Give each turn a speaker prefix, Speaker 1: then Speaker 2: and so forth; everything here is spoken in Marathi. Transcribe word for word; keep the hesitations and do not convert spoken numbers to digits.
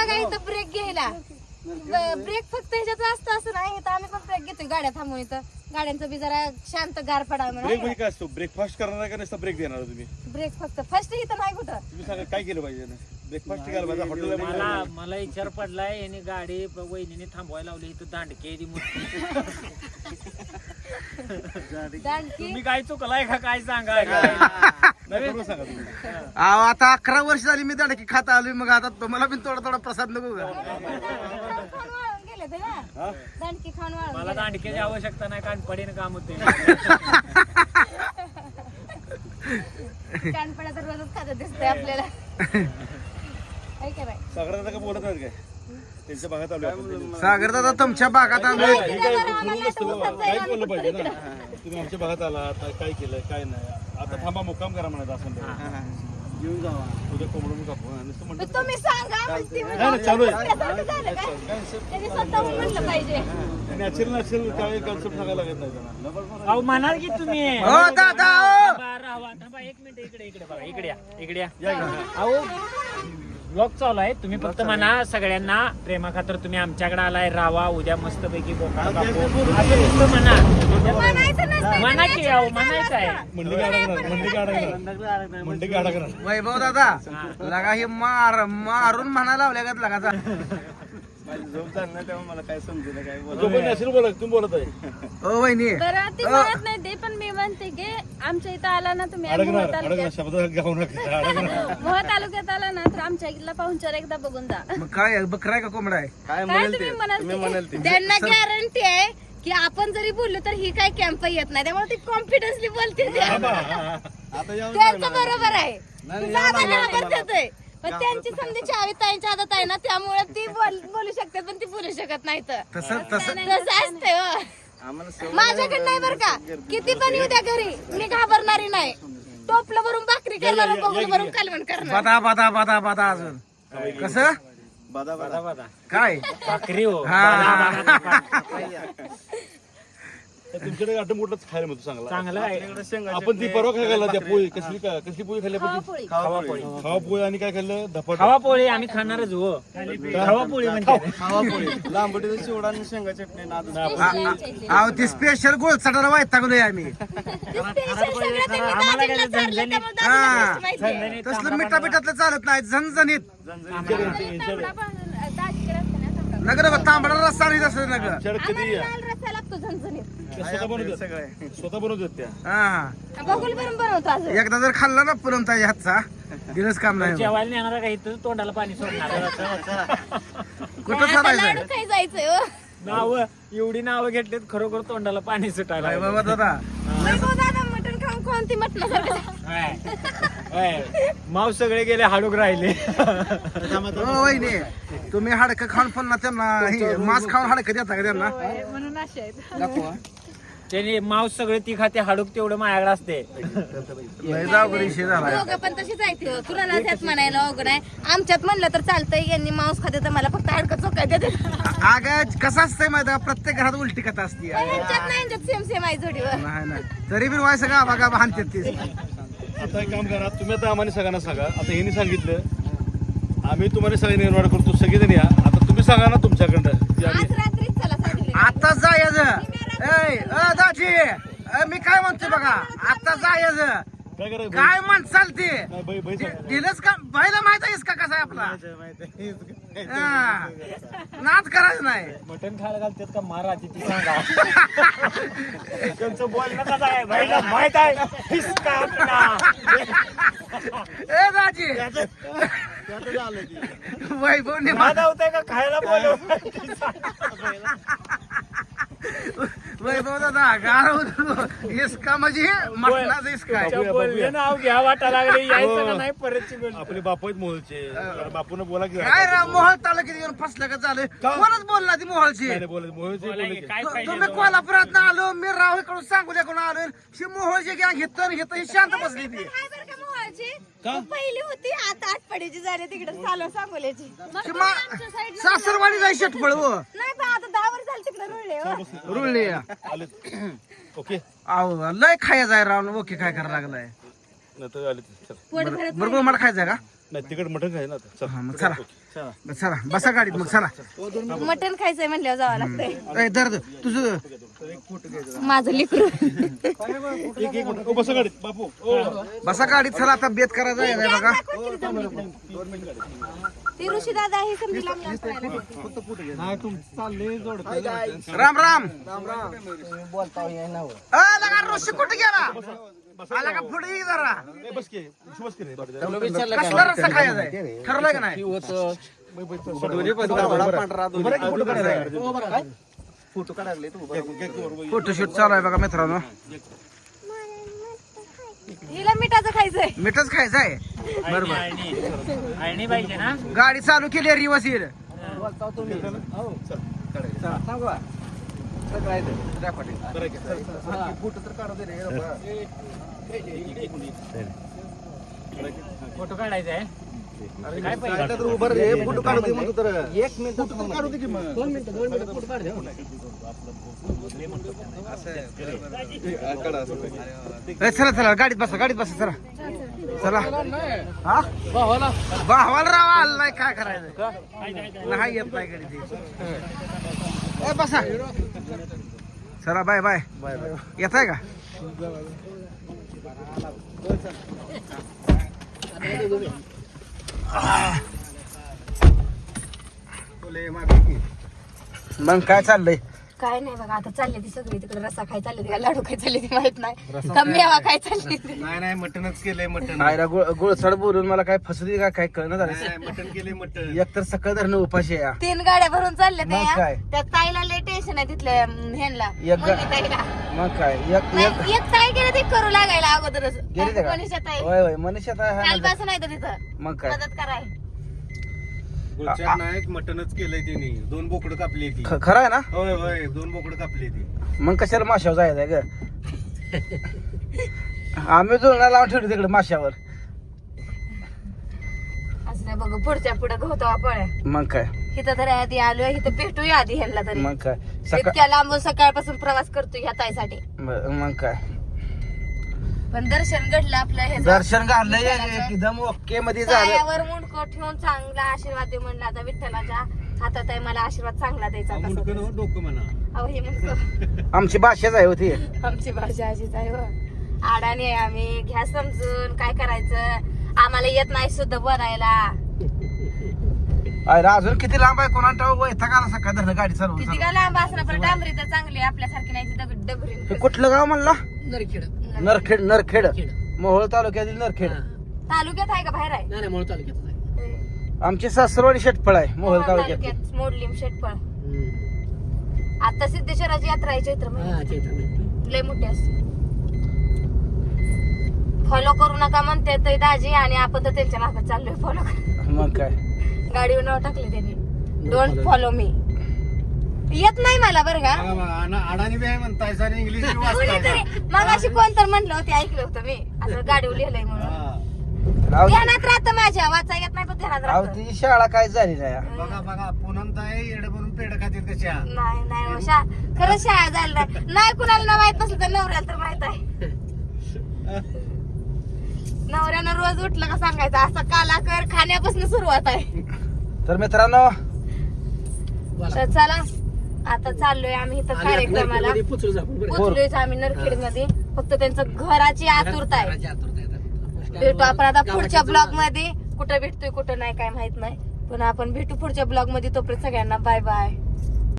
Speaker 1: बघा इथं ब्रेक घ्यायला ब्रेक फक्त ह्याच्यात असतं असं नाही इथं आम्ही पण ब्रेक घेतोय गाड्या थांबून इथं गाड्यांचं बी जरा शांत गार पडा
Speaker 2: ब्रेक म्हणजे काय असतो ब्रेकफास्ट करणार का नुसता ब्रेक देणार तुम्ही
Speaker 1: ब्रेक फक्त फर्स्ट इथं नाही कुठं
Speaker 2: तुम्ही सांगा काय केलं पाहिजे ब्रेकफास्ट केलं पाहिजे हॉटेलला
Speaker 3: मला मला विचार पडलाय याने गाडी वहिनीने थांबवायला लावली इथं दांडके तुम्ही काय चुकलाय का काय सांगा
Speaker 2: सांगा तुम्ही
Speaker 4: अहो आता अकरा वर्ष झाली मी दाडकी खाता आलोय मग आता तुम्हाला पण थोडा थोडा प्रसाद नको का
Speaker 1: गेले ते ना दांडकी खाऊन वाळून
Speaker 3: मला दांडक्याची आवश्यकता नाही कारण पडीने काम होते
Speaker 1: कानपडा तर रोजच खात दिसतंय आपल्याला काय काय
Speaker 2: सागर दादा का बोलत नाहीत काय त्यांच्या भागात आलो
Speaker 4: सागर दादा तुमच्या भागात आलोय
Speaker 2: काय बोललं पाहिजे ना तुम्ही आमच्या भागात आला काय केलंय काय नाही आता थांबा मुक्काम करा म्हणायचं असं घेऊन जावा उद्या कोंबडून कापू नुसतं म्हणतात
Speaker 1: तुम्ही सांगा म्हणते मी.
Speaker 2: नाही, नाही, चालू आहे.
Speaker 1: त्याच्यासाठी झालं काय? त्यांनी स्वतःहून म्हणलं पाहिजे
Speaker 2: नॅचरल नॅचरल काय कन्सेप्ट सांगायला लागत नाही त्यांना
Speaker 3: अहो म्हणाल की तुम्ही
Speaker 4: हो दादा हो.
Speaker 3: थांबा, राहा, थांबा, एक मिनिट इकडे इकडे बघा इकडे या इकडे या अहो ब्लॉग चालू आहे तुम्ही फक्त म्हणा सगळ्यांना प्रेमा खातर तुम्ही आमच्याकडे आलाय रावा उद्या मस्त पैकी बोका कापू असं नुसतं म्हणा
Speaker 1: म्हणायचं नसतं.
Speaker 3: म्हणा की अहो म्हणायचं आहे
Speaker 2: मंडी गाडा करा मंडी गाडा करा मंडी गाडा करा
Speaker 4: वैभव दादा लगा हे मार मारून म्हणा लावल्या का लगाचा
Speaker 2: झोप चालणार तेव्हा मला काय समजेल काय बोला नॅचरल बोला तुम्ही बोलत आहे
Speaker 4: ओ वहिनी
Speaker 5: बरं ती म्हणत नाही ते पण मी म्हणते की आमच्या इथं आला ना तुम्ही मोह
Speaker 2: अडकणार अडकणार
Speaker 5: तालुक्यात
Speaker 2: शब्द गाऊ नका अडकणार
Speaker 5: मोह तालुक्यात आला ना तर आमच्या इथला पाहुणचार एकदा बघून जा
Speaker 4: मग काय आहे, बकरा आहे का कोंबडा आहे
Speaker 5: काय तुम्ही म्हणाल ते?
Speaker 1: त्यांना गॅरंटी आहे की आपण जरी बोललो तर ही काय कॅम्प येत नाही त्यामुळे ती कॉन्फिडन्सली बोलते ते.
Speaker 2: आता या
Speaker 1: त्यांचं बरोबर आहे जागा घाबरतात आहे. पण त्यांची समजी चावी ताईंच्या आदत आहे ना त्यामुळे ती बोल- बोलू शकतात पण ती बोलू शकत नाही तर
Speaker 4: तसं तसं
Speaker 1: तसं असतंय हो. माझ्याकडे नाही बरं का किती पण येऊ द्या घरी मी घाबरणारी नाही टोपलं भरून भाकरी करणार बघून भरून कालवण करणार
Speaker 4: बदा बदा बदा बदा अजून कसं
Speaker 2: बादा बादा
Speaker 3: बघा
Speaker 4: काय
Speaker 3: भाकरी हो
Speaker 4: हा.
Speaker 2: तुमच्याकडे आटम कुठलंच खायला मिळतो चांगला
Speaker 3: चांगलं आहे
Speaker 2: आपण ती परवा काय खाल्ला त्या पोळी कसली का कसली पोळी खाल्ली आपण ती?
Speaker 3: खावा पोळी
Speaker 2: खावा पोळी आणि काय खाल्लं धपाट
Speaker 3: खावा पोळी आम्ही खाणारच हो खावा पोळी म्हणजे
Speaker 2: लांबटीचा चिवडा आणि शेंगा चटणी नाद
Speaker 4: अहो ती स्पेशल गोळ चटाला वैतागलोय आम्ही
Speaker 3: आम्हाला काय झणझणीत
Speaker 4: हा
Speaker 3: झणझणीत
Speaker 4: तसलं मिठा पिठातलं चालत नाही झणझणीत नगर तांबडा रस्ता नाही तसं नगर
Speaker 2: कधी या
Speaker 1: लाल रस्सा लागतो झणझणीत
Speaker 2: स्वतः बनवतात स्वतः बनवतात त्या
Speaker 4: हा
Speaker 1: बघूल भरून बनवतो अजून
Speaker 4: एकदा जर खाल्ला ना पुरमताई हातचा दिलंच काम नाही
Speaker 3: जेवायला नेणार का इथं तोंडाला पाणी सोडणार
Speaker 4: कुठं
Speaker 1: आता
Speaker 4: चालायचं
Speaker 1: लाडू खाई जायचंय हो.
Speaker 3: नाव एवढी नावं घेतलीत खरोखर तोंडाला पाणी सुटायला
Speaker 4: काय
Speaker 3: लागलं.
Speaker 4: बाबा दादा
Speaker 1: वैभव दादा मटण खाऊन कोणती मटण
Speaker 3: हाय. हाय. माव सगळे गेले हाडूक राहिले
Speaker 4: हो वहिनी तुम्ही हाडकं खाऊन पुन्हा त्यांना हे मांस खाऊन हाडकं देता का त्यांना
Speaker 5: म्हणून असे आहेत
Speaker 3: त्याने मांस सगळे ती खाते हाडूक तेवढं माझ्याकडे असते
Speaker 4: लय जावगडी विषय झाला
Speaker 1: दोघं पण तशी जायते हो. कुणाला त्यात म्हणायला अवघड आहे आमच्यात म्हणलं तर चालतंय यांनी मांस खाते तर मला फक्त हाडकं चोकाय देते
Speaker 4: अगं कसं असतंय माहिती का प्रत्येक घरात उलटी कथा असते
Speaker 1: यांच्यात नाही यांच्यात सेम सेम आहे जोडीवर
Speaker 4: नाही नाही तरी बी व्हायचं का बघा हानतात ते
Speaker 2: आता एक काम करा तुम्ही आता आम्हाला सगळ्यांना सांगा आता यांनी सांगितलं आम्ही तुम्हाला सगळे निर्माण करतो सगळेजण या आता तुम्ही सांगा ना तुमच्याकडं की आम्ही-
Speaker 1: आज रात्रीच चला सांगितले
Speaker 4: आता जायचं ए अ, दाजी अ, मी काय म्हणतोय बघा आता जायचं
Speaker 2: काय करायचं
Speaker 4: काय म्हण चालते
Speaker 2: नाही, बाई बाई सांगा.
Speaker 4: दिलंच का बाईला माहित आहेस का कसा आहे आपला हा. नाद करायचं नाही
Speaker 3: मटण खायला घालतात का महाराज ती सांगा त्यांचं बोलणं कसं आहे भाईला माहित आहे हिसका आपला.
Speaker 4: ए दाजी वैभवने मा-
Speaker 3: माझा होतंय का खायला बोलव
Speaker 4: वैभव दादा गार इसका म्हणजे मटणाचं इसका आहे.
Speaker 3: बोलले नाव घ्या वाटा लागले यायचं का नाही परतची गोष्ट
Speaker 2: आपले बापू आहेत मोहळचे बापून बोला की
Speaker 4: काय राव मोहळ तालुक्यात येऊन फसलं का झालं कोणच बोलला ती मोहळची
Speaker 2: नाही, नाही, बोला मोहळचे
Speaker 3: बोला
Speaker 2: बोलले
Speaker 3: की
Speaker 2: की.
Speaker 3: काय
Speaker 4: तु-
Speaker 3: पाहिजे
Speaker 4: तुम्ही कोल्हापुरात आलो मी राव इकडून सांगोल्याकडून आलो शी मोहळची गॅंग घेतो घेतो ही शांत बसली ती
Speaker 1: काय बरं का मोहाची पहिली होती आता आठवड्याची झाली तिकडे चालू सांगोल्याची
Speaker 4: शी मा- सासरवाडी जाय शेटफळ हो
Speaker 1: नाही पण आता दहा वर्ष झाली तिकडे रुळले हो.
Speaker 4: रुळली
Speaker 2: आले ओके
Speaker 4: अहो लय खायचं आहे राव ओके काय करायला लागलाय
Speaker 2: नंतर आले चल
Speaker 1: पोट भरत
Speaker 4: बरोबर मला खायचंय का
Speaker 2: नाही तिकड मटण खाय ना आता. चल.
Speaker 4: हा, मग चला चला बसा गाडीत मग चला
Speaker 1: मटण खायचंय म्हणल्यावर जावं लागतंय
Speaker 4: ए, दर्द तुझं
Speaker 1: माझं लिकरू
Speaker 2: एक एक मिनिट. ओ, बसा गाडीत बापू. ओ.
Speaker 4: बसा गाडीत चला आता बेत करायचा आहे बघा
Speaker 1: ती ऋषी दादा हे समजी लागलं
Speaker 4: राम राम अ, लगा ऋषी कुठे गेला आला का पुढे ये जरा
Speaker 2: ए, बस की. बस की रे.
Speaker 4: कसला रस्ता खायचा आहे ठरलंय का नाही फोटोशूट चालू आहे बघा मित्रांनो
Speaker 1: हिला मिठाचं खायचंय
Speaker 4: मिठच खायचं आहे
Speaker 3: बरोबर आळणी पाहिजे ना.
Speaker 4: गाडी चालू केली रिवर्स येईल
Speaker 3: फोटो काढायचा आहे. काय पाहिजे
Speaker 4: एक मिनिट काढू दे की मग दोन मिनिटं दोन मिनिटं फोटो काढ चला चला गाडीत बसा गाडीत बसा चला चला हा भावाला राव आला नाही काय करायचं नाही येत नाही गाडी ए बसा चला बाय बाय येत आहे का मग काय चाललंय
Speaker 1: काय नाही बघा आता चालले ती सगळी तिकडे रस्सा खाय चालले का लाडू खाय चालले ती माहित नाही का मेवा काय चालली
Speaker 4: नाही नाही मटनच केलंय मटन गुळसड बोलून मला काय फसली का काय कळणं झालं
Speaker 2: मटण केले मटण.
Speaker 4: एक तर सकाळ धरणं उपाशी आहे.
Speaker 1: तीन गाड्या भरून चालले
Speaker 4: मग काय?
Speaker 1: त्या ताईला लय टेन्शन आहे तिथल्या अं, ह्यांना
Speaker 4: एक गा-
Speaker 1: मुली ताईला
Speaker 4: मग काय एक एक
Speaker 1: नाही, एक ताई गेले ते करू लागायला अगोदरच
Speaker 4: गेली ते का
Speaker 1: मनीषा ताई
Speaker 4: होय होय मनीषा ताई आहे ना.
Speaker 1: कालपासून नाही तर तिथं
Speaker 4: मग काय
Speaker 1: मदत कराय
Speaker 2: गुलचार नायक मटणच केलंय त्यांनी. दोन बोकडं कापली ती.
Speaker 4: ख- खरं आहे ना
Speaker 2: होय होय दोन बोकडं कापली ती.
Speaker 4: मग कशाला माशावर जायचंय ग आम्ही जुळणा लावून ठेवली तिकडे माशावर
Speaker 1: असं नाही बघ पुढच्या पुढे गवतावा पळ्या
Speaker 4: मग काय
Speaker 1: इथं तरी आधी आलोय इथं भेटूया आधी ह्यांना तरी
Speaker 4: मग काय सकाळ
Speaker 1: इतक्या लांबून सकाळपासून प्रवास करतोय ह्या ताईसाठी
Speaker 4: मग काय
Speaker 1: पण दर्शन घडलं आपलं हे
Speaker 4: दर्शन घाललंय एकदम ओके मध्ये झालं
Speaker 1: पायावर मुंडको ठेवून चांगला आशीर्वाद दे म्हणला आता विठ्ठलाच्या हातात आहे मला आशीर्वाद चांगला द्यायचा कसा
Speaker 2: मुंडकं
Speaker 1: तरी.
Speaker 2: नव्हं, डोकं म्हणा.
Speaker 1: अहो हे म्हणतो
Speaker 4: आमची भाषाच आहे होती
Speaker 1: आमची भाषा अशीच आहे हो. अडाणी आहे आम्ही घ्या समजून काय करायचं आम्हाला येत नाही सुद्धा बनायला
Speaker 4: अरे अजून किती लांब आहे कोणा ठाऊक वैताग आला सकाळ धरणं गाडी चालवून
Speaker 1: किती
Speaker 4: चालवून.
Speaker 1: का लांब असणार पण डांबरी तर चांगली आहे, आपल्यासारखी नाही ती दगड डबरी
Speaker 4: हे कुठलं गाव म्हणला नरखेड नरखेड मोहोळ तालुक्यातील नरखेड
Speaker 1: तालुक्यात आहे का बाहेर आहे
Speaker 4: आमची सासरवाडी शेटफळ आहे मोहोळ
Speaker 1: मोहोळ
Speaker 4: तालुक्यात
Speaker 1: तालुक्यात मोडलीम शेटपळ आता सिद्धेश्वराची यात्रा आहे चैत्र महिन्यात लय मोठी असते फॉलो करू नका म्हणते ते दाजी आणि आपण तर त्यांच्या मागे चाललोय फॉलो कर
Speaker 4: मग काय
Speaker 1: गाडीवर नाव टाकले त्यांनी डोंट फॉलो मी येत नाही मला बरं का
Speaker 2: अडाणी बी आहे म्हणताय सर इंग्लिश बी
Speaker 1: कुणीतरी मग अशी कोण तर म्हणलं होते ऐकलं होतं मी असं गाडीवर लिहिलंय म्हणून
Speaker 4: राहू दे.
Speaker 1: ध्यानात राहतं माझ्या वाचा येत नाही पण ध्यानात
Speaker 4: राहू
Speaker 1: राहतं
Speaker 4: ती शाळा काय झाली नाही
Speaker 2: बघा बघा पुनंत आहे येडे बनून पेड खातील कशा.
Speaker 1: नाही नाही हो, शा खरंच शाळा झाली नाही नाही कुणाला ना माहित नसलं तर नवऱ्याला तर माहित आहे नवऱ्यानं रोज उठलं का सांगायचं असं काला कर खाण्यापासून सुरुवात आहे
Speaker 4: तर मित्रांनो
Speaker 1: तर चला आता चाललोय आम्ही इथं कार्यक्रमाला पोचलोय आम्ही नरखेड मध्ये फक्त त्यांचं घराची आतुरता आहे भेटू आपण आता पुढच्या ब्लॉग मध्ये कुठं भेटतोय कुठं नाही काय माहित नाही पण आपण भेटू पुढच्या ब्लॉग मध्ये तोपर्यंत सगळ्यांना बाय बाय.